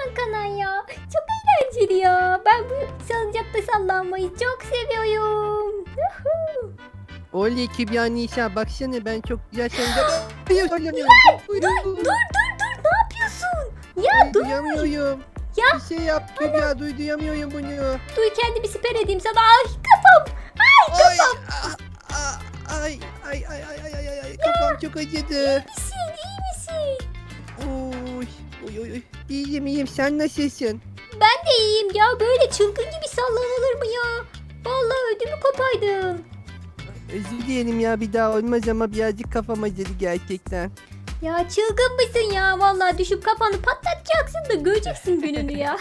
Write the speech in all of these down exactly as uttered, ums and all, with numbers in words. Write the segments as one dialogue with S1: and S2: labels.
S1: Kanan ya. Çok eğlenceli ya. Ben bu salıncakta sallanmayı çok seviyorum. Yuhu.
S2: Oley Kübra Nisa baksana ben çok güzel salıncak sallanıyorum.
S1: Dur dur dur dur ne yapıyorsun? Ya dur.
S2: Duyamıyorum.
S1: Ya.
S2: Bir şey yap Kübra duy duyamıyorum bunu.
S1: Dur kendimi siper edeyim sana. Ay kafam. Ay kafam.
S2: Ay, ah, ah, ay ay ay ay ay ay ay ay kafam çok acıdı.
S1: İyi misin iyi misin?
S2: Oy oy oy oy. İyiyim iyiyim sen nasılsın?
S1: Ben de iyiyim ya. Böyle çılgın gibi sallanılır mı ya? Vallahi ödümü kopaydın.
S2: Özür dilerim ya bir daha olmaz ama birazcık kafam acıdı gerçekten.
S1: Ya çılgın mısın ya? Vallahi düşüp kafanı patlatacaksın da göreceksin gününü ya.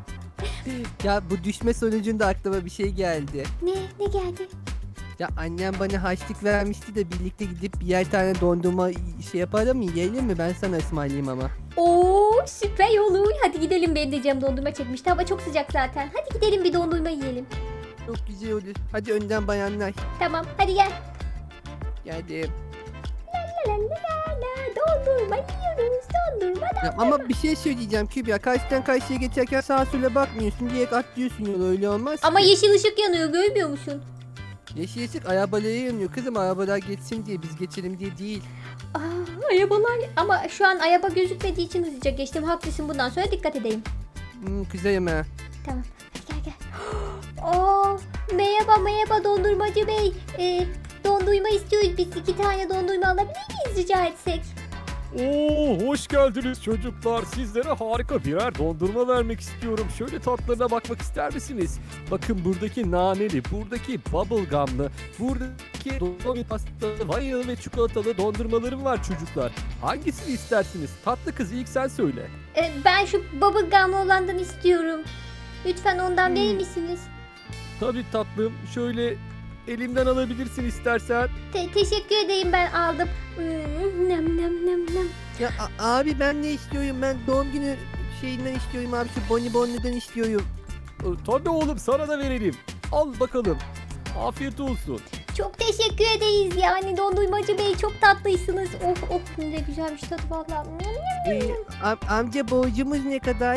S2: Ya bu düşme sonucunda aklıma bir şey geldi.
S1: Ne? Ne geldi?
S2: Ya annem bana harçlık vermişti de birlikte gidip birer tane dondurma şey yapalım mı yiyelim mi? Ben sana ısmarlayayım ama.
S1: Oo süper olur. Hadi gidelim, benim de canım dondurma çekmişti. Hava çok sıcak zaten. Hadi gidelim bir dondurma yiyelim.
S2: Çok güzel olur. Hadi önden bayanlar.
S1: Tamam hadi gel.
S2: Geldim.
S1: La la la la la. Dondurma yiyoruz. Dondurma da.
S2: Ya ama bir şey söyleyeceğim Kübra. Karşıdan karşıya geçerken sağa sola bakmıyorsun. Direkt atlıyorsun yola öyle olmaz
S1: Ama
S2: ki.
S1: yeşil ışık yanıyor, görmüyor musun?
S2: Yeşil ışık arabalara yanıyor kızım. Arabalar geçsin diye biz geçelim diye değil.
S1: Aa, arabalar. Ama şu an araba gözükmediği için hızlıca geçtim. Haklısın, bundan sonra dikkat edeyim.
S2: Hmm, kızayım ha.
S1: Tamam. Hadi gel gel. Aa, merhaba merhaba dondurmacı bey. Ee, dondurma istiyoruz. Biz iki tane dondurma alabilir miyiz rica etsek?
S3: Oo, hoş geldiniz çocuklar. Sizlere harika birer dondurma vermek istiyorum. Şöyle tatlarına bakmak ister misiniz? Bakın buradaki naneli, buradaki bubblegum'lı, buradaki dondurma pastalı, vanilyalı ve çikolatalı dondurmalarım var çocuklar. Hangisini istersiniz? Tatlı kız ilk sen söyle.
S1: Ee, ben şu bubblegum olandan istiyorum. Lütfen ondan verir misiniz?
S3: Tabii tatlım. Şöyle elimden alabilirsin istersen.
S1: Te- teşekkür edeyim, ben aldım. Hmm, nem nem nem nem.
S2: Ya a- abi ben ne istiyorum? Ben doğum günü şeyinden istiyorum abi. Şu bonibonludan istiyorum.
S3: Ee, Tabii oğlum sana da verelim. Al bakalım. Afiyet olsun.
S1: Çok teşekkür ederiz yani dondurmacı bey, çok tatlısınız. Of of ne güzelmiş tadı vallahi.
S2: Ee, am- amca borcumuz ne kadar?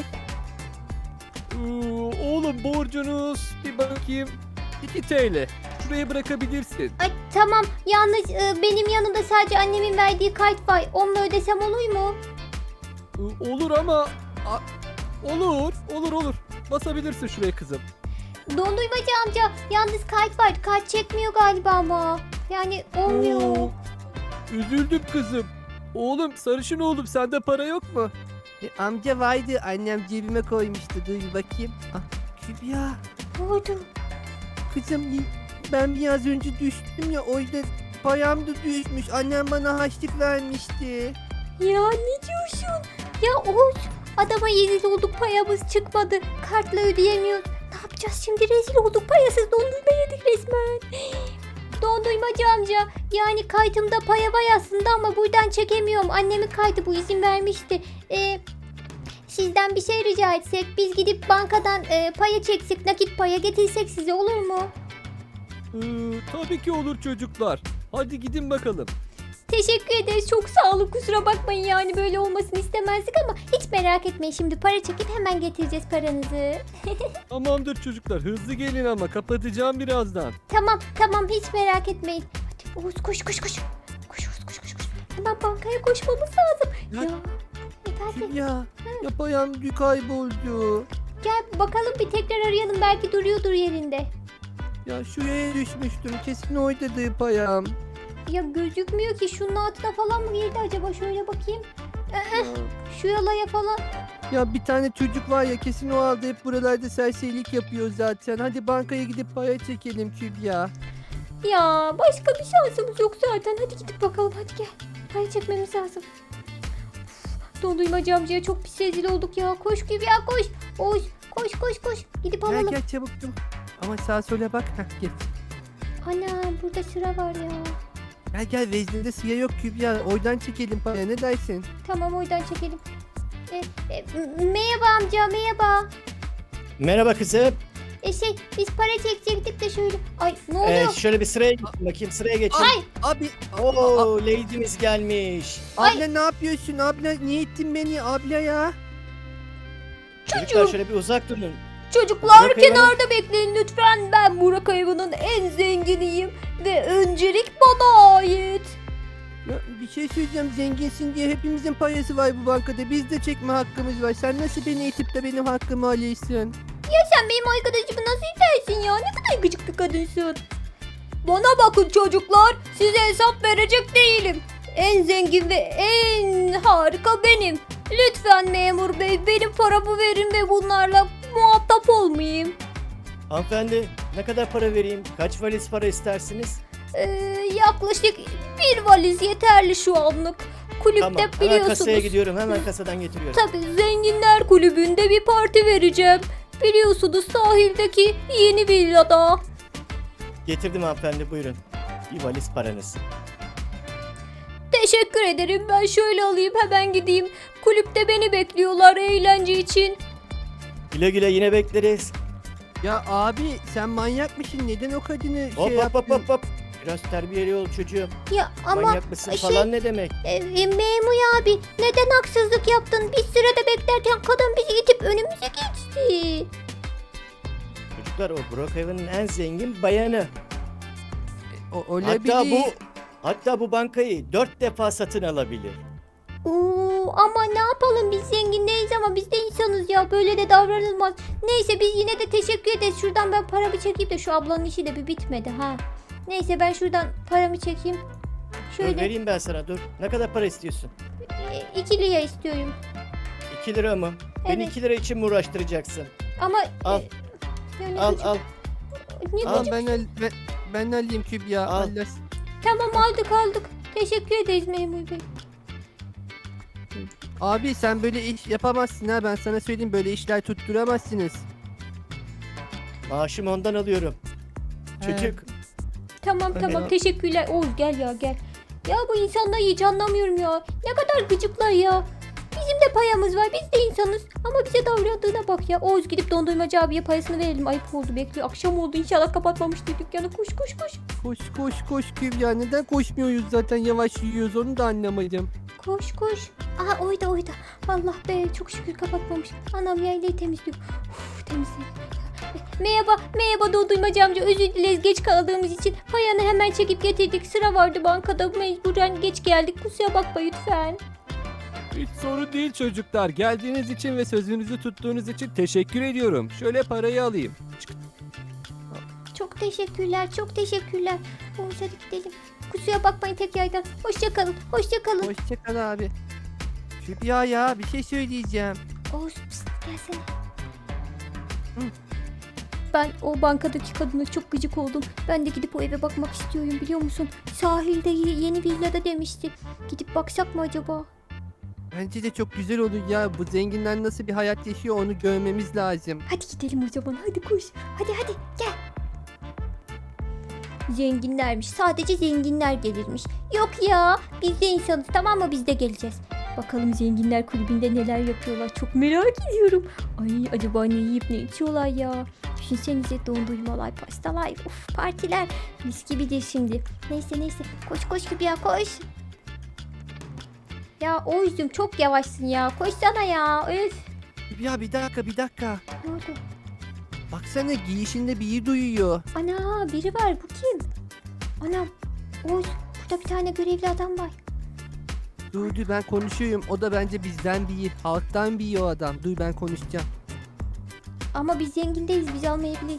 S3: Ee, Oğlum borcunuz bir bakayım iki TL. Şuraya bırakabilirsin.
S1: Ay tamam, yalnız e, benim yanımda sadece annemin verdiği kart var. Onunla ödesem olur mu?
S3: Ee, Olur ama a- olur olur olur. Basabilirsin şuraya kızım.
S1: Dondurmacı amca, yalnız kart var. Kart çekmiyor galiba ama. Yani olmuyor.
S3: Oo, üzüldüm kızım. Oğlum sarışın oğlum sende para yok mu?
S2: E, amca vardı. Annem cebime koymuştu. Dur bir bakayım. Ah, Kübra.
S1: Ne oldu?
S2: Kızım ben biraz önce düştüm ya. O yüzden payam da düşmüş. Annem bana harçlık vermişti.
S1: Ya ne diyorsun? Ya Oğuz, adama rezil olduk, payamız çıkmadı. Kartla ödeyemiyoruz. Ne yapacağız şimdi, rezil olduk, payasız dondurma yedik resmen. Dondurmacı amca, yani kaydımda paya var aslında ama buradan çekemiyorum. Annemin kaydı bu, izin vermişti. Ee, sizden bir şey rica etsek, biz gidip bankadan e, paya çeksek, nakit paya getirsek size, olur mu?
S3: Ee, tabii ki olur çocuklar. Hadi gidin bakalım.
S1: Teşekkür ederiz, çok sağ olun, kusura bakmayın yani böyle olmasını istemezdik ama hiç merak etmeyin, şimdi para çekip hemen getireceğiz paranızı.
S3: Tamamdır çocuklar hızlı gelin ama kapatacağım birazdan.
S1: Tamam tamam, hiç merak etmeyin. Hadi Oğuz koş koş koş. Koş Oğuz koş koş koş. Hemen bankaya koşmamız lazım.
S2: Ya-
S1: Ya, efendim
S2: Kübra. Ya payam kayboldu.
S1: gel bakalım bir tekrar arayalım, belki duruyordur yerinde.
S2: Ya şuraya düşmüştüm. Kesin oradadır payam.
S1: Ya gözükmüyor ki, şunun altına falan mı girdi acaba, şöyle bakayım.
S2: Ya.
S1: Şu yalaya falan.
S2: Ya bir tane çocuk var ya kesin o aldı hep buralarda serserilik yapıyor zaten. Hadi bankaya gidip para çekelim Kübra.
S1: Ya başka bir şansımız yok zaten, hadi gidip bakalım, hadi gel. Para çekmemiz lazım. Uf, dondurmacı amcaya çok pis rezil olduk ya. Koş Kübra koş. Oğuz koş koş koş. Gidip
S2: Gel
S1: alalım.
S2: gel çabuk çabuk. Ama sağa sola bak. Heh, git.
S1: Ana burada sıra var ya.
S2: Gel gel veznede sıra yok Kübra. Oradan çekelim para ne dersin?
S1: Tamam oradan çekelim. E, e, m- merhaba amca, merhaba.
S4: Merhaba kızım.
S1: E şey, biz para çekecektik de şöyle. Ay ne
S4: Ee,
S1: oluyor?
S4: şöyle bir sıraya geçin bakayım sıraya geçin.
S1: Ay
S2: Abi
S4: Oo, lady'miz gelmiş.
S1: Ay.
S2: abla ne yapıyorsun? Abla niye ittin beni abla ya?
S4: Çocuklar
S1: Çocuğum.
S4: şöyle bir uzak durun.
S1: Çocuklar
S4: Burak Hayvan'ın-
S1: kenarda bekleyin lütfen. Ben Burak Hayvan'ın en zenginiyim. Ve öncelik bana ait.
S2: Ya, bir şey söyleyeceğim, zenginsin diye hepimizin parası var bu bankada. Biz de çekme hakkımız var. Sen nasıl beni itip de benim hakkımı alıyorsun?
S1: Sen benim arkadaşımı nasıl itersin ya? Ne kadar gıcık bir kadınsın. Bana bakın çocuklar. Size hesap verecek değilim. En zengin ve en harika benim. Lütfen memur bey benim paramı verin ve bunlarla muhatap olmayayım.
S4: Hanımefendi ne kadar para vereyim? Kaç valiz para istersiniz?
S1: Ee, yaklaşık bir valiz yeterli şu anlık. Kulüpte
S4: Tamam hemen
S1: biliyorsunuz.
S4: kasaya gidiyorum. Hemen kasadan getiriyorum.
S1: Tabii zenginler kulübünde bir parti vereceğim. Biliyorsunuz sahildeki yeni villada.
S4: Getirdim hanımefendi buyurun. Bir valiz paranız.
S1: Teşekkür ederim. Ben şöyle alayım hemen gideyim. Kulüpte beni bekliyorlar eğlence için.
S4: Güle güle yine bekleriz.
S2: Ya abi sen manyak mısın? Neden o kadını
S4: Hop
S2: şey
S4: hop
S2: yaptın?
S4: hop hop hop. Biraz terbiyeli ol çocuğum.
S1: Ya ama
S4: Manyak mısın
S1: şey-
S4: falan ne demek?
S1: e, e, memur abi neden haksızlık yaptın? Biz sırada beklerken kadın bizi itip önümüze geçti.
S4: Çocuklar o Burak Hayvan'ın en zengin bayanı.
S2: O, olabilir.
S4: Hatta bu hatta bu bankayı dört defa satın alabilir.
S1: Oo, ama ne yapalım biz zengin değiliz ama biz de insanız ya böyle de davranılmaz. Neyse biz yine de teşekkür ederiz. Şuradan ben paramı çekeyim de şu ablanın işi de bir bitmedi ha. Neyse ben şuradan paramı çekeyim.
S4: Dur
S1: Şöyle
S4: vereyim ben sana dur. Ne kadar para istiyorsun?
S1: e, iki lira istiyorum.
S4: iki lira mı? Beni
S1: Evet.
S4: iki lira için mi uğraştıracaksın?
S1: Ama
S4: Al.
S1: e, yani
S4: Al
S1: gıcık-
S4: al.
S1: ne
S4: al.
S1: gıcık-
S2: Tamam ben, al, ben, ben alayım Kübra.
S4: Al.
S2: Allah.
S1: Tamam aldık aldık. Teşekkür ederiz memur bey.
S2: Abi sen böyle iş yapamazsın ha, ben sana söyleyeyim, böyle işler tutturamazsınız.
S4: Maaşımı ondan alıyorum. Çocuk.
S1: Tamam
S2: Öyle
S1: tamam
S2: ya.
S1: teşekkürler. Oğuz gel ya gel. Ya bu insanları hiç anlamıyorum ya. Ne kadar gıcıklar ya. Bizim de payamız var. Biz de insanız. Ama bize davrandığına bak ya. Oğuz gidip dondurmacı abiye parasını verelim. Ayıp oldu bekliyor. Akşam oldu inşallah kapatmamıştır dükkanı. Koş koş koş.
S2: Koş koş koş Kübra, neden koşmuyoruz, zaten yavaş yürüyoruz, onu da anlamadım.
S1: Koş koş. Aha oyda oyda. Allah be çok şükür kapatmamış. Anam yaylayı temizliyor. Uf temizledim. Merhaba, merhaba dondurmacı amca. Özür dileriz geç kaldığımız için. Payanı hemen çekip getirdik. Sıra vardı bankada. Mecburen geç geldik. Kusura bakma lütfen.
S3: Hiç sorun değil çocuklar. Geldiğiniz için ve sözünüzü tuttuğunuz için teşekkür ediyorum. Şöyle parayı alayım.
S1: Çok teşekkürler, çok teşekkürler. Oğuz hadi gidelim. Kusura bakmayın tekrardan. Hoşça kalın, hoşça kalın.
S2: Hoşça kal abi. Kübra ya, bir şey söyleyeceğim.
S1: Oğuz pst, gelsene. Hı. Ben o bankadaki kadına çok gıcık oldum. Ben de gidip o eve bakmak istiyorum biliyor musun? Sahilde ye- yeni villada demişti. Gidip baksak mı acaba?
S2: Bence de çok güzel olur ya, bu zenginler nasıl bir hayat yaşıyor onu görmemiz lazım.
S1: Hadi gidelim o zaman hadi koş. Hadi hadi gel. Zenginlermiş. Sadece zenginler gelirmiş. Yok ya. Biz de insanız tamam mı? Biz de geleceğiz. Bakalım zenginler kulübünde neler yapıyorlar. Çok merak ediyorum. Ay acaba ne yiyip ne içiyorlar ya. Düşünsenize dondurmalar, pastalar, of partiler. Mis gibidir şimdi. Neyse neyse. Koş koş gibi ya koş. Ya Oğuz'cum çok yavaşsın ya. Koşsana ya. Öf.
S2: Kübra bir dakika bir dakika.
S1: Ne oldu?
S2: Baksana giyişinde biri duyuyor.
S1: Ana biri var bu kim? Anam Oğuz burada bir tane görevli adam var.
S2: Dur dur ben konuşuyorum, o da bence bizden biri. Halktan biri o adam. Dur ben konuşacağım.
S1: Ama biz zengin değiliz biz almayabiliriz.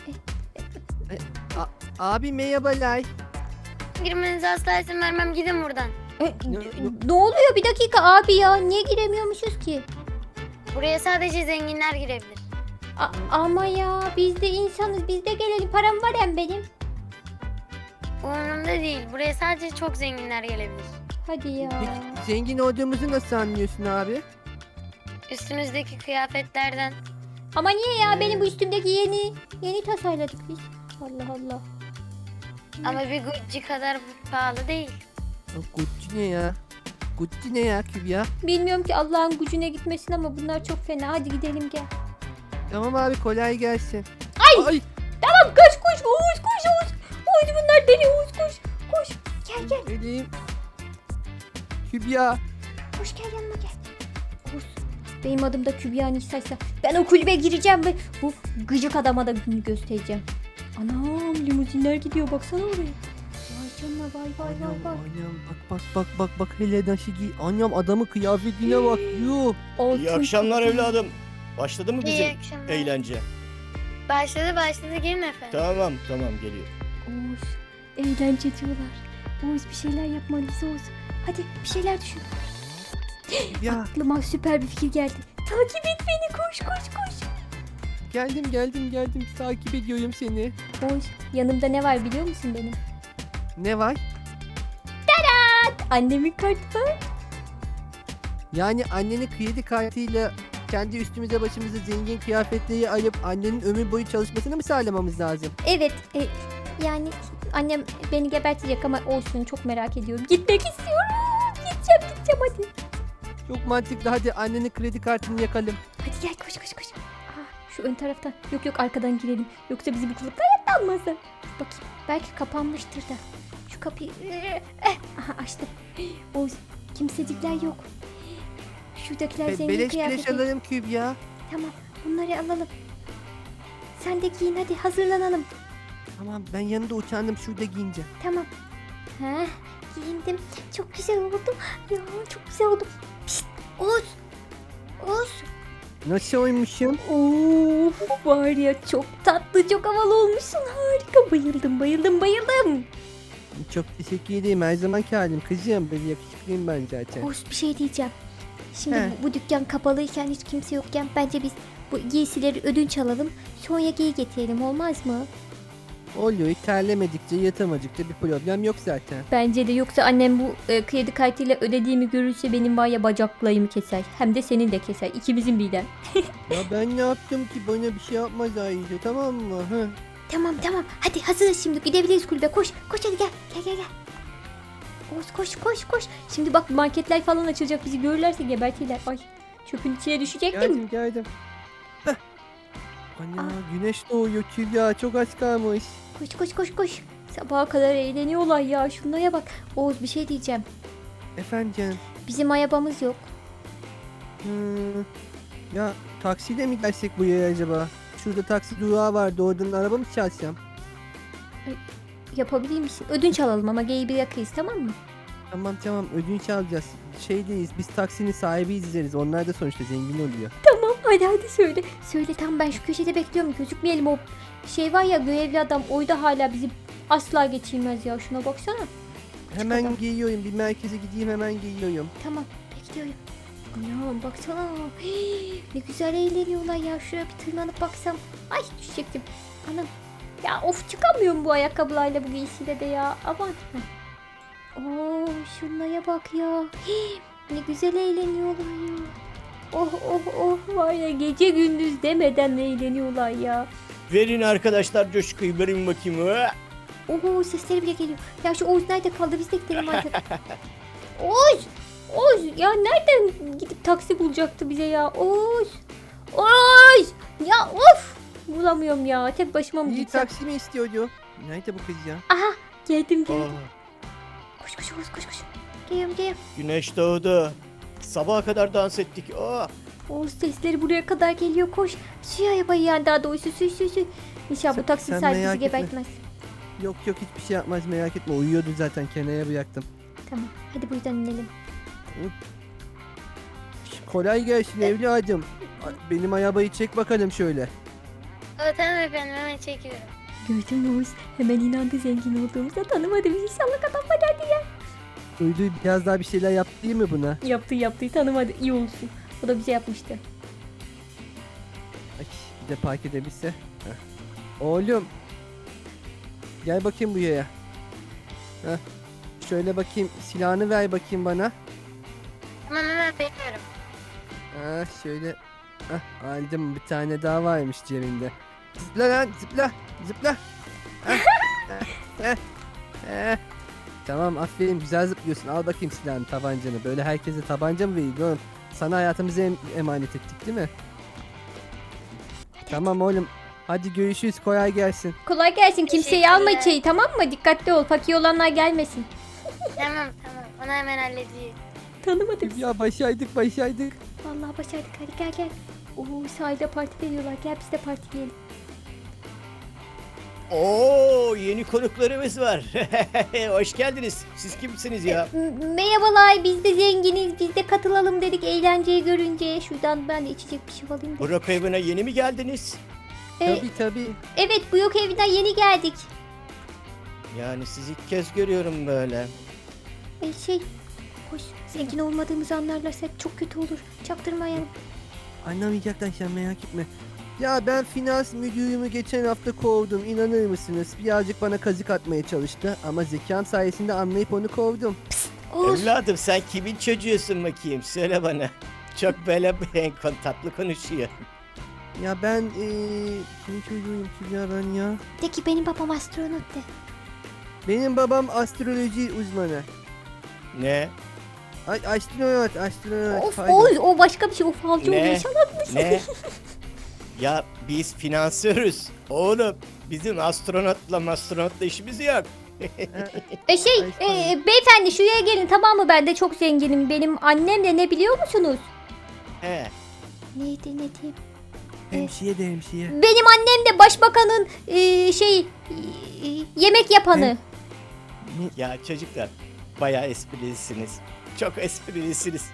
S2: Abi merhabalar.
S5: Girmenize asla izin vermem. Gidin buradan.
S1: E,
S2: Ne-
S1: ne oluyor bir dakika abi ya niye giremiyormuşuz ki?
S5: Buraya sadece zenginler girebilir.
S1: A- ama ya biz de insanız biz de gelelim param var hem benim.
S5: Umurumda değil. Buraya sadece çok zenginler gelebilir.
S1: Hadi ya.
S2: Peki zengin olduğumuzu nasıl anlıyorsun abi?
S5: Üstünüzdeki kıyafetlerden.
S1: Ama niye ya
S2: Ee.
S1: benim bu üstümdeki yeni yeni tasarladık biz. Allah Allah.
S5: Ama bir Gucci kadar pahalı değil.
S2: Ya Gucci ne ya? Gucci ne ya Kübra?
S1: Bilmiyorum ki Allah'ın gücüne gitmesin ama bunlar çok fena. Hadi gidelim gel.
S2: Tamam abi kolay gelsin.
S1: Ay!
S2: Ay!
S1: Tamam koş koş Oğuz koş Oğuz. Oğuz bunlar deli Oğuz koş. Koş gel gel.
S2: Elim. Kübra.
S1: Koş gel yanıma gel. Oğuz Benim adım da Kübra Nisa'ysa ben o kulübe gireceğim ve bu gıcık adama da gününü göstereceğim. Anam limuzinler gidiyor baksana oraya. Vay canına vay vay vay
S2: Anam,
S1: vay.
S2: anam bak bak bak bak bak hele nasıl giy. Anam adamın kıyafetine bak. Yuh.
S1: Altın
S4: İyi akşamlar
S1: kapı.
S4: evladım. Başladı mı
S5: İyi
S4: bizim
S5: akşamlar.
S4: eğlence?
S5: Başladı başladı gelin efendim.
S4: Tamam tamam geliyor.
S1: Oğuz eğlence diyorlar. Oğuz bir şeyler yapmalıyız Oğuz. Hadi bir şeyler düşün.
S2: Ya
S1: Aklıma süper bir fikir geldi. Takip et beni koş koş koş.
S2: geldim geldim geldim takip ediyorum seni.
S1: Oğuz yanımda ne var biliyor musun benim?
S2: Ne var?
S1: Annemin kartı var.
S2: Yani annenin kredi kartıyla kendi üstümüze başımıza zengin kıyafetleri alıp annenin ömür boyu çalışmasını mı sağlamamız lazım?
S1: Evet e, yani annem beni gebertecek ama olsun çok merak ediyorum. Gitmek istiyorum. Gideceğim gideceğim hadi.
S2: Çok mantıklı, hadi annenin kredi kartını yakalım.
S1: Hadi gel koş koş koş. Aa, şu ön taraftan. Yok yok arkadan girelim. Yoksa bizi bu kılıkta hayatta almazlar. Bakayım belki kapanmıştır da. Şu kapıyı eh, aha açtım. Oğuz kimsecikler yok. Şuradakiler
S2: Be-
S1: zengin
S2: beleş beleş
S1: kıyafeti.
S2: alırım Kübra.
S1: Tamam bunları alalım. Sen de giyin hadi hazırlanalım.
S2: Tamam ben yanında uçandım, şurada giyineceğim.
S1: Tamam. Heh, giyindim. Çok güzel oldu. Ya çok güzel oldu. Pişt, Oğuz. Oğuz.
S2: Nasıl oymuşum?
S1: Of var ya çok tatlı çok havalı olmuşsun. Harika bayıldım bayıldım bayıldım.
S2: Çok teşekkür ederim, her zamanki halim kızım. Böyle yakışıklıyım ben zaten.
S1: Oğuz bir şey diyeceğim. Şimdi
S2: He.
S1: bu, bu dükkan kapalıyken hiç kimse yokken bence biz bu giysileri ödünç alalım. Sonra giy getirelim olmaz mı?
S2: Oluyor, hiç terlemedikçe yatamadıkça bir problem yok zaten.
S1: Bence de yoksa annem bu e, kredi kartıyla ödediğimi görürse benim var ya bacaklarımı keser. Hem de senin de keser. İkimizin birden.
S2: Ya ben ne yaptım ki, bana bir şey yapmaz ayrıca, tamam mı? Hı.
S1: Tamam tamam hadi hazırız şimdi gidebiliriz kulübe koş koş hadi gel gel gel gel. Oğuz koş koş koş. Şimdi bak marketler falan açılacak bizi görürlerse gebertirler. Ay çöpün içine düşecektim.
S2: Geldim geldim. Heh. Ana güneş doğuyor Kübra, çok az kalmış.
S1: Koş koş koş koş. Sabaha kadar eğleniyorlar ya şunlara bak. Oğuz bir şey diyeceğim.
S2: Efendim canım.
S1: Bizim arabamız yok.
S2: Hmm. Ya taksiyle mi gelsek bu yere acaba? Şurada taksi durağı vardı, oradan araba mı çalsam?
S1: Yapabilir misin? Ödünç alalım ama geyi bir yakıyız tamam mı?
S2: Tamam tamam, ödünç alacağız. Şeydeyiz, biz taksinin sahibiyiz izleriz. Onlar da sonuçta zengin oluyor.
S1: Tamam hadi hadi söyle. Söyle tam ben şu köşede bekliyorum gözükmeyelim o şey var ya görevli adam oyda hala bizi asla geçirmez ya şuna baksana.
S2: Hemen
S1: adam.
S2: geliyorum, bir merkeze gideyim, hemen geliyorum.
S1: Tamam bekliyorum. Anam baksana. Hii, ne güzel eğleniyorlar ya. Şuraya bir tırmanıp baksam. Ay düşecektim. Anam. Ya of çıkamıyorum bu ayakkabılarla bu giysiyle de ya. Aman. Heh. Oo şunlara bak ya. Hii, ne güzel eğleniyorlar ya. Oh oh oh var ya gece gündüz demeden eğleniyorlar ya.
S4: Verin arkadaşlar coşkuyu, verin bakayım. Hı!
S1: Oho sesleri bile geliyor. Ya şu Oğuz nerede kaldı biz de gidelim artık. Oğuz! Oğuz ya nereden gidip taksi bulacaktı bize ya? Oğuz! Oğuz! Ya of! Bulamıyorum ya. Tek başıma mı
S2: İyi
S1: gitsem?
S2: taksi mi istiyordu? Nerede bu kız ya?
S1: Aha! Geldim geldim.
S4: Aa,
S1: Koş koş Oğuz koş koş. Geliyorum geliyorum.
S4: güneş doğdu. Sabaha kadar dans ettik. Aa,
S1: Oğuz sesleri buraya kadar geliyor koş. Suya arabayı yani daha doğrusu süy süy süy. İnşallah bu
S2: Sen-
S1: taksi
S2: sen
S1: sahibi bizi
S2: merak etme.
S1: gebertmez.
S2: Yok yok, hiçbir şey yapmaz, merak etme. Uyuyordu zaten, kenara bıraktım.
S1: Tamam hadi buradan inelim.
S2: Kolay gelsin evladım. Benim arabayı çek bakalım şöyle.
S5: O, tamam efendim hemen çekiyorum.
S1: Gördün mü Oğuz? Hemen inandı zengin olduğumuza tanımadı bizi. İnşallah kafamda derdi ya.
S2: Duydu, biraz daha bir şeyler yaptı değil mi buna?
S1: Yaptı yaptı tanımadı iyi olsun. O da bize yapmıştı.
S2: Ay, bir de park edebilse. Heh. Oğlum. Gel bakayım buraya. Heh. Şöyle bakayım, silahını ver bakayım bana.
S5: Tamam hemen bekliyorum.
S2: Ha, şöyle. Heh, aldım, bir tane daha varmış cebinde. Zıpla lan, zıpla, zıpla. Heh, heh, heh, heh. Tamam, aferin, güzel zıplıyorsun. Al bakayım silahını, tabancanı. Böyle herkese tabanca mı veriyor oğlum? Sana hayatımızı em- emanet ettik değil mi? Tamam oğlum. Hadi görüşürüz, kolay gelsin.
S1: Kolay gelsin. Kimseyi
S5: Teşekkürler.
S1: alma içeri tamam mı? Dikkatli ol. Fakir olanlar gelmesin.
S5: Tamam tamam onu hemen halledeyim.
S1: Tanımadık.
S2: Ya başaydık, başaydık.
S1: Vallahi başardık, hadi gel gel. Oo, sahilde parti veriyorlar, gel biz de partileyelim.
S4: Oo, yeni konuklarımız var. Hoş geldiniz. Siz kimsiniz ya?
S1: M- Merhabalar, biz de zenginiz, biz de katılalım dedik eğlenceyi görünce. Şuradan ben de içecek bir şey alayım da.
S4: Burak evine yeni mi geldiniz?
S1: Ee,
S2: Tabii tabii.
S1: evet, bu yok evinden yeni geldik.
S4: Yani sizi ilk kez görüyorum böyle.
S1: Ee, şey, hoş, zengin olmadığımızı anlarlarsa çok kötü olur. Çaktırmayalım.
S2: Anlamayacaklar sen merak etme. Ya ben finans müdürümü geçen hafta kovdum. İnanır mısınız? Birazcık bana kazık atmaya çalıştı. Ama zekam sayesinde anlayıp onu kovdum.
S1: Oğuz,
S4: Evladım sen kimin çocuğusun bakayım? Söyle bana. Çok böyle kon- tatlı konuşuyor.
S2: Ya ben eee... Kimin çocuğuyum ki ya ben ya?
S1: de ki benim babam astronot de.
S2: Benim babam astroloji uzmanı.
S4: Ne?
S2: Ay, astronot, astronot.
S1: Of
S2: pardon.
S1: Oğuz, o başka bir şey, o falcı
S4: Ne?
S1: oluyor inşallah.
S4: Ne? Ya biz finansörüz. Oğlum bizim astronotla astronotla işimiz yok.
S1: E şey,
S2: Ay,
S1: e, beyefendi şuraya gelin, tamam mı? Ben de çok zenginim. Benim annem de ne biliyor musunuz?
S4: He.
S1: Neydi, ne diyeyim?
S2: Hemşire de hemşire.
S1: Benim annem de başbakanın e, şey e, yemek yapanı.
S4: Ya çocuklar bayağı esprilisiniz. Çok esprilisiniz.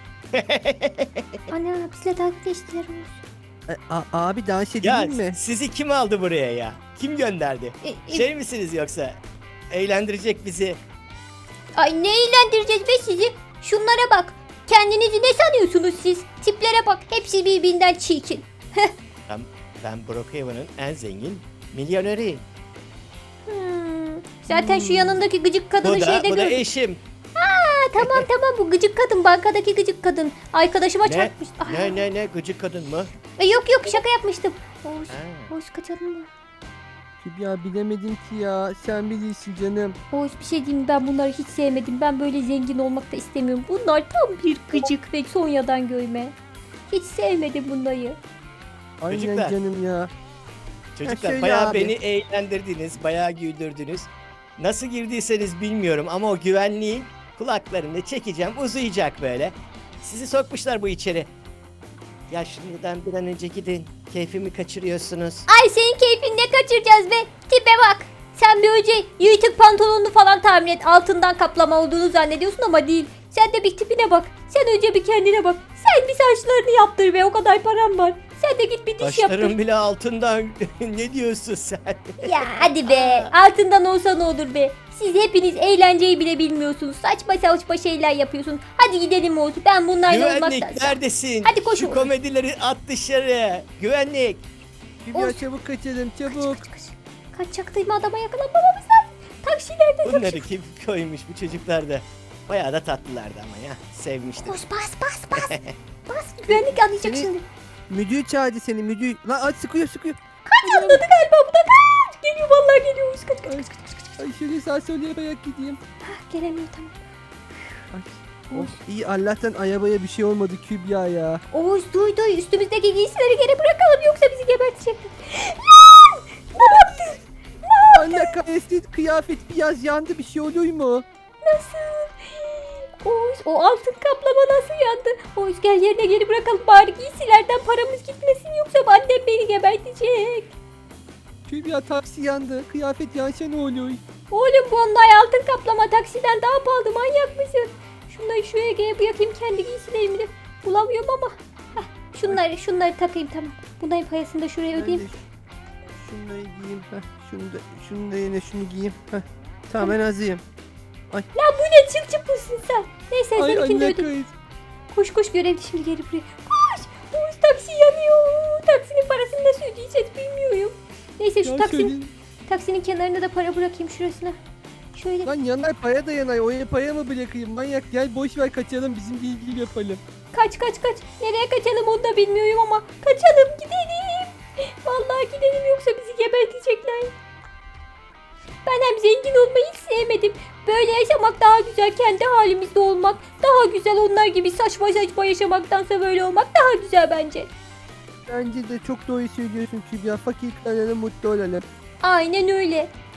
S1: Ana, bizle dalga geçtiler Oğuz.
S2: E, a- abi dans
S4: Ya
S2: edelim mi?
S4: sizi kim aldı buraya ya? Kim gönderdi?
S1: E, e,
S4: Şey misiniz yoksa? Eğlendirecek bizi.
S1: Ay, ne eğlendireceğiz be sizi? Şunlara bak. Kendinizi ne sanıyorsunuz siz? Tiplere bak. Hepsi birbirinden çirkin.
S4: Ben, ben Brookhaven'ın en zengin milyoneri.
S1: Hmm. Zaten şu yanındaki gıcık kadını
S4: Bu da,
S1: şeyde
S4: bu da
S1: gördüm.
S4: eşim.
S1: Ha, tamam tamam, bu gıcık kadın, bankadaki gıcık kadın. Arkadaşıma
S4: Ne?
S1: çarpmış. Aa.
S4: Ne ne ne gıcık kadın mı?
S1: E, yok yok, şaka yapmıştım. Oğuz,
S4: Ha.
S1: Oğuz kaçalım mı?
S2: Ya bilemedim ki ya. Sen bilirsin canım.
S1: Oğuz, bir şey diyeyim mi? Ben bunları hiç sevmedim. Ben böyle zengin olmak da istemiyorum. Bunlar tam bir gıcık ve sonradan görme. Hiç sevmedim bunları.
S2: Aynen
S4: Çocuklar.
S2: canım ya.
S4: Çocuklar
S2: şöyle
S4: bayağı
S2: abi.
S4: beni eğlendirdiniz, bayağı güldürdünüz. Nasıl girdiyseniz bilmiyorum ama o güvenliğin kulaklarını çekeceğim, uzayacak böyle. Sizi sokmuşlar bu içeri. Ya şimdiden bir an önce gidin. Keyfimi kaçırıyorsunuz.
S1: Ay, senin keyfini ne kaçıracağız be? Tipe bak. Sen bir önce yırtık pantolonunu falan tahmin et. Altından kaplama olduğunu zannediyorsun ama değil. Sen de bir tipine bak. Sen önce bir kendine bak. Sen bir saçlarını yaptır be, o kadar param var. Sen de git bir diş yaptır.
S4: Saçlarım bile altından. Ne diyorsun sen?
S1: Ya hadi be. Altından olsa ne olur be. Siz hepiniz eğlenceyi bile bilmiyorsunuz. Saçma saçma şeyler yapıyorsun. Hadi gidelim Oğuz. Ben bunlarla
S4: Güvenlik
S1: olmaktan...
S4: neredesin?
S1: Hadi koş
S4: Şu
S1: oğlum.
S4: komedileri at dışarı. Güvenlik.
S2: Kübra
S1: Oğuz.
S2: çabuk kaçalım çabuk.
S1: Kaç, kaç. Kaçacaktayım, adama yakalanmamamız lazım. Taksilerde
S4: Bunları
S1: taksi.
S4: kim koymuş bu çocuklar da? Bayağı da tatlılardı ama ya. Sevmiştim.
S1: Koş, bas bas bas. Bas, güvenlik anlayacak
S2: Seni-
S1: şimdi.
S2: Müdür çağırdı seni müdür. Lan aç sıkıyor sıkıyor.
S1: Kaç, anladı galiba, bu da kaç. Geliyor vallahi, geliyor Oğuz. Kaç kaç kaç kaç kaç. kaç.
S2: Ay şöyle sağ sola bayarak gideyim.
S1: Hah, gelemiyor, tamam.
S2: Ay. Of iyi Allah'tan arabaya bir şey olmadı Kübra ya.
S1: Oğuz duy duy, üstümüzdeki giysileri geri bırakalım yoksa bizi gebertecekler. Lan! Ne yaptın?
S2: Anne kahretsin kıyafet biraz yandı bir şey olur mu?
S1: Nasıl? Oğuz, o altın kaplama nasıl yandı? Oğuz, gel yerine geri bırakalım bari, giysilerden paramız gitmesin yoksa annem beni gebertecek.
S2: Kübra taksi yandı. Kıyafet yansa ne olur?
S1: Oğlum, bu onlar altın kaplama, taksiden daha pahalı, manyak mısın? Şunları şuraya geri bırakayım, kendi giysilerimi de bulamıyorum ama. Heh, şunları şunları takayım, tamam. Bunların parasını da şuraya
S2: Ben
S1: ödeyeyim.
S2: de şunları giyeyim. Heh, şunu da, şunu da yine şunu giyeyim. Heh. Tamam ben hazırım.
S1: Lan bu ne, çıp çıp mısın sen? Neyse,
S2: Ay
S1: seninkini de
S2: anne
S1: ödeyeyim.
S2: kahretsin.
S1: Koş koş, görevli şimdi geri buraya. Koş! Oğuz, taksi yanıyor. Taksinin parasını nasıl ödeyeceğiz bilmiyorum. Neyse, şu
S2: Ya
S1: taksinin,
S2: şöyle-
S1: taksinin kenarına da para bırakayım şurasına. Şöyle.
S2: Lan yanar paya da yanar. Oraya paya mı bırakayım? Manyak gel boş ver kaçalım bizim bilgi yapalım.
S1: Kaç kaç kaç. Nereye kaçalım onu da bilmiyorum ama. Kaçalım, gidelim. Vallahi gidelim yoksa bizi gebertecekler. Ben hem zengin olmayı hiç sevmedim. Böyle yaşamak daha güzel, kendi halimizde olmak daha güzel, onlar gibi saçma saçma yaşamaktansa böyle olmak daha güzel bence.
S2: Bence de çok doğru söylüyorsun Kübra. Fakir kalalım mutlu olalım.
S1: Aynen öyle.